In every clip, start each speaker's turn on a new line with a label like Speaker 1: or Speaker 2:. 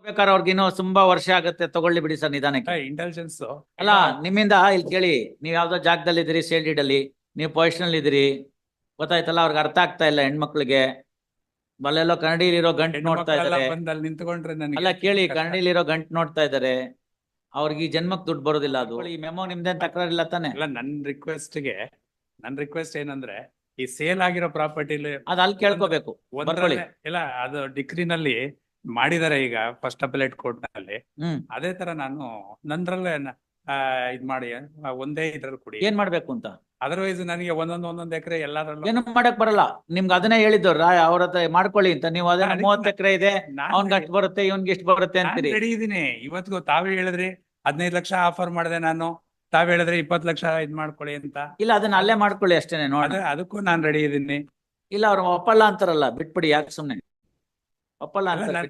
Speaker 1: ಬೇಕಾದ್ರೆ ಅವ್ರಿಗಿನ್ನೂ ತುಂಬಾ ವರ್ಷ ಆಗುತ್ತೆ, ತಗೊಳ್ಳಿ ಬಿಡಿ ಸರ್ ನಿಧಾನಕ್ಕೆ.
Speaker 2: ಇಂಟೆಲಿಜೆನ್ಸ್
Speaker 1: ಅಲ್ಲ ನಿಮ್ಮಿಂದ ಇಲ್ಲಿ ಕೇಳಿ, ನೀವ್ ಯಾವ್ದೋ ಜಾಗದಲ್ಲಿ ಇದ್ದೀರಿ, ಸೇಲ್ಡ್ ಅಲ್ಲಿ ನೀವು ಪೊಸಿಷನ್ ಇದ್ದೀರಿ, ಗೊತ್ತಾಯ್ತಲ್ಲ, ಅವ್ರಿಗೆ ಅರ್ಥ ಆಗ್ತಾ ಇಲ್ಲ ಹೆಣ್ಮಕ್ಳಿಗೆ. ಬಲ್ಲೆಲ್ಲೋ ಕನ್ನಡಿಲಿರೋ ಗಂಟು ನೋಡ್ತಾ ಇದಾರೆ.
Speaker 2: ಬಂದಲ್ಲಿ ನಿಂತ್ಕೊಂಡ್ರೆ ನನಗೆ
Speaker 1: ಅಲ್ಲ ಕೇಳಿ, ಕನ್ನಡಿಲಿರೋ ಗಂಟು ನೋಡ್ತಾ ಇದಾರೆ, ಅವ್ರಿಗೆ ಈ ಜನ್ಮಕ್ ದುಡ್ಡು ಬರೋದಿಲ್ಲ. ಅದು ಈ ಮೆಮೋ ನಿಮ್ದೇನ್ ತಕರಾರಿಲ್ಲ ತಾನೆ?
Speaker 2: ಅಲ್ಲ ನನ್ ರಿಕ್ವೆಸ್ಟ್ ಏನಂದ್ರೆ, ಈ ಸೇಲ್ ಆಗಿರೋ ಪ್ರಾಪರ್ಟಿಲಿ
Speaker 1: ಅದ್ ಅಲ್ಲಿ ಕೇಳ್ಕೋಬೇಕು. ಬರ್ಕೊಳ್ಳಿ.
Speaker 2: ಇಲ್ಲ ಅದು ಡಿಗ್ರಿನಲ್ಲಿ ಮಾಡಿದಾರೆ ಈಗ ಫಸ್ಟ್ ಅಪೆಲೇಟ್ ಕೋರ್ಟ್ ನಲ್ಲಿ. ಅದೇ ತರ ನಾನು ನಂದ್ರಲ್ಲೇ ಇದ್ ಮಾಡಿ ಒಂದೇ ಇದ್ರಲ್ಲಿ ಕೊಡಿ.
Speaker 1: ಏನ್ ಮಾಡ್ಬೇಕು ಅಂತ?
Speaker 2: ಅದರ್ವೈಸ್ ನನಗೆ ಒಂದೊಂದ್ ಎಕರೆ ಎಲ್ಲಾದ್ರಲ್ಲೂ
Speaker 1: ಏನು ಮಾಡಕ್ ಬರಲ್ಲ. ನಿಮ್ಗೆ ಅದನ್ನೇ ಹೇಳಿದ್ರು ಅವ್ರ ಹತ್ರ ಮಾಡ್ಕೊಳ್ಳಿ ಅಂತ. ನೀವು ಅದನ್ನ 30 ಎಕರೆ ಇದೆ, ಅವ್ನ್ಗೆ ಅಷ್ಟು ಬರುತ್ತೆ, ಇವ್ನ್ಗೆ ಇಷ್ಟು ಬರುತ್ತೆ ಅಂತೀರಿ.
Speaker 2: ರೆಡಿ ಇದೀನಿ. ಇವತ್ತಿಗೂ ತಾವೇ ಹೇಳಿದ್ರಿ 15 ಲಕ್ಷ ಆಫರ್ ಮಾಡಿದೆ ನಾನು, ತಾವ್ ಹೇಳಿದ್ರೆ 20 ಲಕ್ಷ ಇದ್ ಮಾಡ್ಕೊಳ್ಳಿ ಅಂತ.
Speaker 1: ಇಲ್ಲ ಅದನ್ನ ಅಲ್ಲೇ ಮಾಡ್ಕೊಳ್ಳಿ ಅಷ್ಟೇನೆ. ನೋಡಿ
Speaker 2: ಅದಕ್ಕೂ ನಾನ್ ರೆಡಿ ಇದೀನಿ.
Speaker 1: ಇಲ್ಲ ಅವ್ರು ಒಪ್ಪಲ್ಲ ಅಂತಾರಲ್ಲ, ಬಿಟ್ಬಿಡಿ. ಯಾಕೆ ಸುಮ್ನೆ ಒಪ್ಪಲ್ಲ ಅಂತ?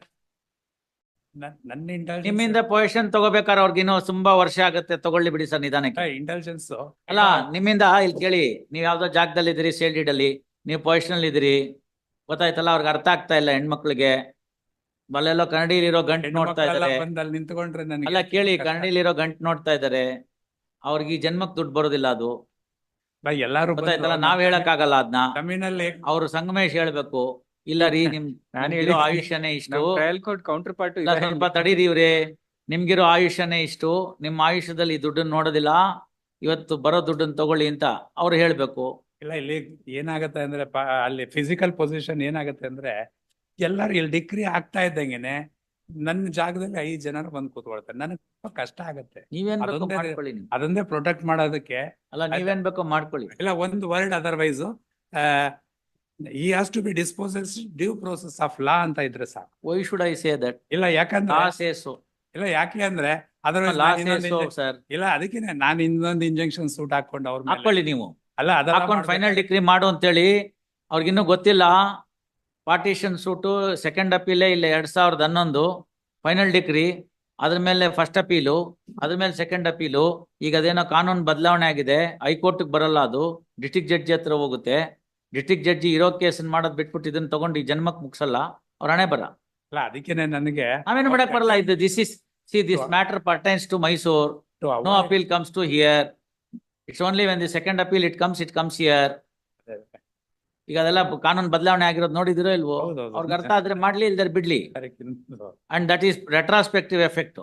Speaker 1: ನಿಮ್ಮಿಂದ ಪೊಸಿಷನ್ ತಗೋಬೇಕಾದ್ರೆ ಅವ್ರಿಗಿನ್ನೂ ತುಂಬಾ ವರ್ಷ ಆಗುತ್ತೆ, ತಗೊಳ್ಳಿ ಬಿಡಿ ಸರ್ ನಿಧಾನಕ್ಕೆ.
Speaker 2: ಇಂಟೆಲಿಜೆನ್ಸ್
Speaker 1: ಅಲ್ಲ ನಿಮ್ಮಿಂದ ಇಲ್ಲಿ ಕೇಳಿ, ನೀವ್ ಯಾವ್ದೋ ಜಾಗದಲ್ಲಿ ಇದ್ದೀರಿ, ಸೇಲ್ಡ್ ಅಲ್ಲಿ ನೀವು ಪೊಸಿಷನ್ ಇದ್ದೀರಿ, ಗೊತ್ತಾಯ್ತಲ್ಲ, ಅವ್ರಿಗೆ ಅರ್ಥ ಆಗ್ತಾ ಇಲ್ಲ ಹೆಣ್ಮಕ್ಳಿಗೆ. ಬಲ್ಲೆಲ್ಲೋ ಕನ್ನಡಿಲಿರೋ ಗಂಟು ನೋಡ್ತಾ ಇದಾರೆ.
Speaker 2: ಬಂದಲ್ಲಿ ನಿಂತ್ಕೊಂಡ್ರೆ ನನಗೆ
Speaker 1: ಅಲ್ಲ ಕೇಳಿ, ಕನ್ನಡಿಲಿರೋ ಗಂಟು ನೋಡ್ತಾ ಇದಾರೆ, ಅವ್ರಿಗೆ ಈ ಜನ್ಮಕ್ ದುಡ್ಡು ಬರೋದಿಲ್ಲ. ಅದು
Speaker 2: ಎಲ್ಲಾರು
Speaker 1: ಗೊತ್ತಾಯ್ತಲ್ಲ, ನಾವ್ ಹೇಳಕ್ ಆಗಲ್ಲ ಅದನ್ನ.
Speaker 2: ಜಮೀನಲ್ಲಿ
Speaker 1: ಅವ್ರು ಸಂಗಮೇಶ್ ಹೇಳ್ಬೇಕು. ಇಲ್ಲ ರೀ, ನಿಮ್ಗಿರೋ ಆಯುಷ್ಯನೇ ಇಷ್ಟು,
Speaker 3: ಕೌಂಟರ್ ಪಾರ್ಟ್
Speaker 1: ಸ್ವಲ್ಪ ತಡೀರಿ ಇವ್ರೆ, ನಿಮ್ಗಿರೋ ಆಯುಷ್ಯನೇ ಇಷ್ಟು, ನಿಮ್ಮ ಆಯುಷ್ಯದಲ್ಲಿ ಈ ದುಡ್ಡನ್ನ ನೋಡೋದಿಲ್ಲ, ಇವತ್ತು ಬರೋ ದುಡ್ಡನ್ನ ತಗೊಳ್ಳಿ ಅಂತ ಅವ್ರು ಹೇಳ್ಬೇಕು.
Speaker 2: ಇಲ್ಲ ಇಲ್ಲಿ ಏನಾಗತ್ತೆ ಅಂದ್ರೆ ಅಲ್ಲಿ ಫಿಸಿಕಲ್ ಪೊಸಿಷನ್ ಏನಾಗತ್ತೆ ಅಂದ್ರೆ, ಎಲ್ಲಾರು ಇಲ್ಲಿ ಡಿಗ್ರಿ ಆಗ್ತಾ ಇದ್ದಂಗೆನೆ ನನ್ನ ಜಾಗದಲ್ಲಿ 5 ಜನರು ಬಂದು ಕೂತ್ಕೊಳ್ತಾರೆ. ನನಗೆ ತುಂಬಾ ಕಷ್ಟ ಆಗತ್ತೆ.
Speaker 1: ನೀವೇನ್ ಬೇಕೋ ಮಾಡ್ಕೊಳ್ಳಿ.
Speaker 2: ಅದನ್ನೇ ಪ್ರೊಟೆಕ್ಟ್ ಮಾಡೋದಕ್ಕೆ.
Speaker 1: ಅಲ್ಲ ನೀವೇನ್ ಬೇಕೋ ಮಾಡ್ಕೊಳ್ಳಿ.
Speaker 2: ಇಲ್ಲ ಒಂದು word otherwise he has to be disposed due process of law ಅಂತ ಇದ್ರೆ ಸಾಕು.
Speaker 1: Why should I say that?
Speaker 2: ಇಲ್ಲ ಯಾಕಂದ್ರೆ
Speaker 1: law says so.
Speaker 2: ಇಲ್ಲ ಯಾಕೆ ಅಂದ್ರೆ otherwise
Speaker 1: law says so sir.
Speaker 2: ಇಲ್ಲ ಅದಕ್ಕೇನೆ ನಾನು ಇನ್ನೊಂದು ಇಂಜೆಕ್ಷನ್ ಸೂಟ್ ಹಾಕೊಂಡು ಅವ್ರ ಮೇಲೆ
Speaker 1: ಹಾಕೊಳ್ಳಿ ನೀವು.
Speaker 2: ಅಲ್ಲ
Speaker 1: ಹಾಕೊಂಡು ಫೈನಲ್ ಡಿಗ್ರಿ ಮಾಡು ಅಂತೇಳಿ ಅವ್ರಿಗಿನ್ನೂ ಗೊತ್ತಿಲ್ಲ. ಪಾರ್ಟಿಷನ್ ಸೂಟು ಸೆಕೆಂಡ್ ಅಪೀಲೇ ಇಲ್ಲ 2011 ಫೈನಲ್ ಡಿಗ್ರಿ, ಅದ್ರ ಮೇಲೆ ಫಸ್ಟ್ ಅಪೀಲು, ಅದ್ರ ಮೇಲೆ ಸೆಕೆಂಡ್ ಅಪೀಲು. ಈಗ ಅದೇನೋ ಕಾನೂನು ಬದಲಾವಣೆ ಆಗಿದೆ, ಹೈಕೋರ್ಟ್ ಬರಲ್ಲ, ಅದು ಡಿಸ್ಟ್ರಿಕ್ಟ್ ಜಡ್ಜಿ ಹತ್ರ ಹೋಗುತ್ತೆ. ಡಿಸ್ಟ್ರಿಕ್ಟ್ ಜಡ್ಜಿ ಇರೋ ಕೇಸನ್ ಮಾಡೋದ್ ಬಿಟ್ಬಿಟ್ಟು ಇದನ್ನ ತಗೊಂಡು ಈ ಜನ್ಮಕ್ ಮುಗಿಸಲ್ಲ, ಅವ್ರ ಹಣೆ ಬರ.
Speaker 2: ಅಲ್ಲ ಅದಕ್ಕೇನೆ ನನಗೆ
Speaker 1: ನಾವೇನು ಮಾಡಕ್ ಬರಲ್ಲ. ಇದು this matter pertains to Mysore. No appeal comes to here. It's only when the second appeal it comes here. ಈಗ ಅದೆಲ್ಲ ಕಾನೂನು ಬದಲಾವಣೆ ಆಗಿರೋದು ನೋಡಿದಿರೋ ಇಲ್ವೋ? ಅವ್ರಿಗೆ ಅರ್ಥ ಆದ್ರೆ ಮಾಡ್ಲಿ, ಇಲ್ದಾರೆ ಬಿಡ್ಲಿ. And that is retrospective effect.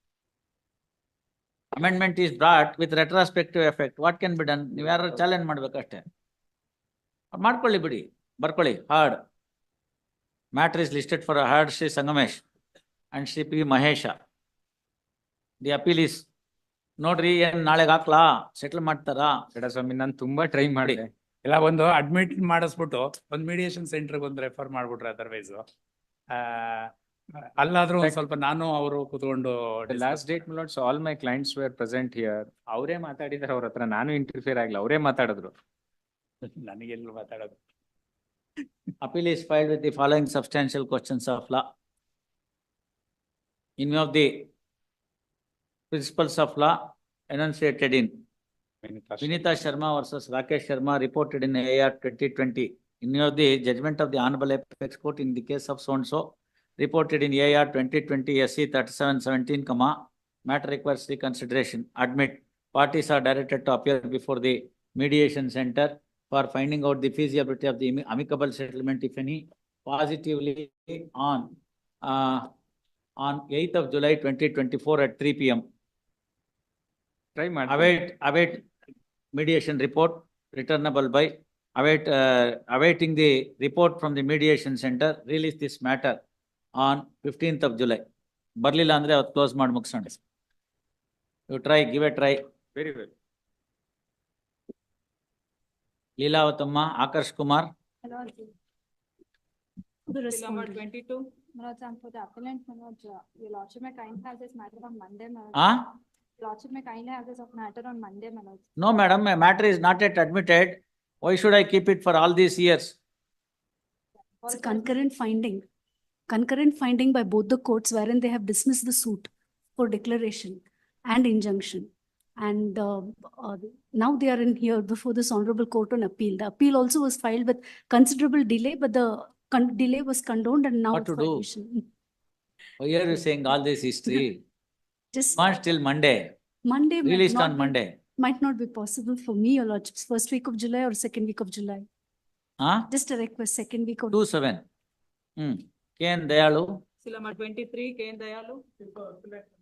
Speaker 1: Amendment is brought with retrospective effect. What can be done? ನೀವು ಯಾರು ಚಾಲೆಂಜ್ ಮಾಡ್ಬೇಕಷ್ಟೇ. ಮಾಡ್ಕೊಳ್ಳಿ ಬಿಡಿ, ಬರ್ಕೊಳ್ಳಿ. Heard matter is listed for heard Shri Sangamesh and Shri P Mahesh. The appeal is ನೋಡ್ರಿ, ಏನ್ ನಾಳೆಗೆ ಹಾಕ್ಲಾ, ಸೆಟಲ್ ಮಾಡ್ತಾರಾ?
Speaker 3: ಸ್ವಾಮಿ ನಾನು ತುಂಬಾ ಟ್ರೈ ಮಾಡಿ.
Speaker 2: ಇಲ್ಲ ಒಂದು ಅಡ್ಮಿಟ್ ಮಾಡಿಸ್ಬಿಟ್ಟು ಒಂದು ಮೀಡಿಯೇಷನ್ ಸೆಂಟರ್ಗೆ ಒಂದು ರೆಫರ್ ಮಾಡ್ಬಿಟ್ರೆ ಅದರ್ವೈಸ್ ಅಲ್ಲಾದ್ರೂ ಒಂದ್ ಸ್ವಲ್ಪ ನಾನು ಅವರು ಕೂತ್ಕೊಂಡು
Speaker 3: last date my lords all my clients were present here. ಅವರೇ ಮಾತಾಡಿದಾರೆ ಅವ್ರ ಹತ್ರ, ನಾನು ಇಂಟರ್ಫಿಯರ್ ಆಗಿಲ್ಲ, ಅವರೇ ಮಾತಾಡಿದ್ರು.
Speaker 2: ನನಗೆಲ್ಲ ಮಾತಾಡೋದು.
Speaker 1: Appeal is filed with the following substantial questions of law. In view of the principles of law enunciated in Vinita Sharma versus Rakesh Sharma reported in AR 2020. In view of the judgment of the Honorable Apex Court in the case of so-and-so reported in AR 2020 SC 3717, matter requires reconsideration. Admit parties are directed to appear before the mediation center for finding out the feasibility of the amicable settlement, if any, positively on 8th of July 2024 at 3 p.m.
Speaker 3: Try
Speaker 1: await mediation report returnable by awaiting the report from the mediation center. Release this matter on 15th of July. ಬರ್ಲಿಲ್ಲ ಅಂದ್ರೆ ಅವತ್ತು close ಮಾಡಿ ಮುಗಿಸೋಣ. You try, give a try.
Speaker 3: Very well.
Speaker 1: ಲೀಲಾವತಮ್ಮ, Akarsh Kumar.
Speaker 4: Hello. Number 22. Manoj, for the appellant, Manoj, your lordship may kindly have this matter on Monday, Manoj. Lordship may kindly have this matter on Monday, Manoj.
Speaker 1: No, madam, a matter is not yet admitted. Why should I keep it for all these years?
Speaker 5: It's a concurrent finding by both the courts wherein they have dismissed the suit for declaration and injunction. And now they are in here before this honorable court on appeal. The appeal also was filed with considerable delay, but the delay was condoned and now
Speaker 1: what to do? Why are you saying all this history?
Speaker 5: Just
Speaker 1: Want till Monday,
Speaker 5: Monday
Speaker 1: released on Monday.
Speaker 5: might not be possible for me, Your Lordships, first week of July or second week of July.
Speaker 1: Huh?
Speaker 5: Just a request, second week of.
Speaker 1: 2/7. K. N. Dayalu.
Speaker 6: Silama 23, K. Dayalu.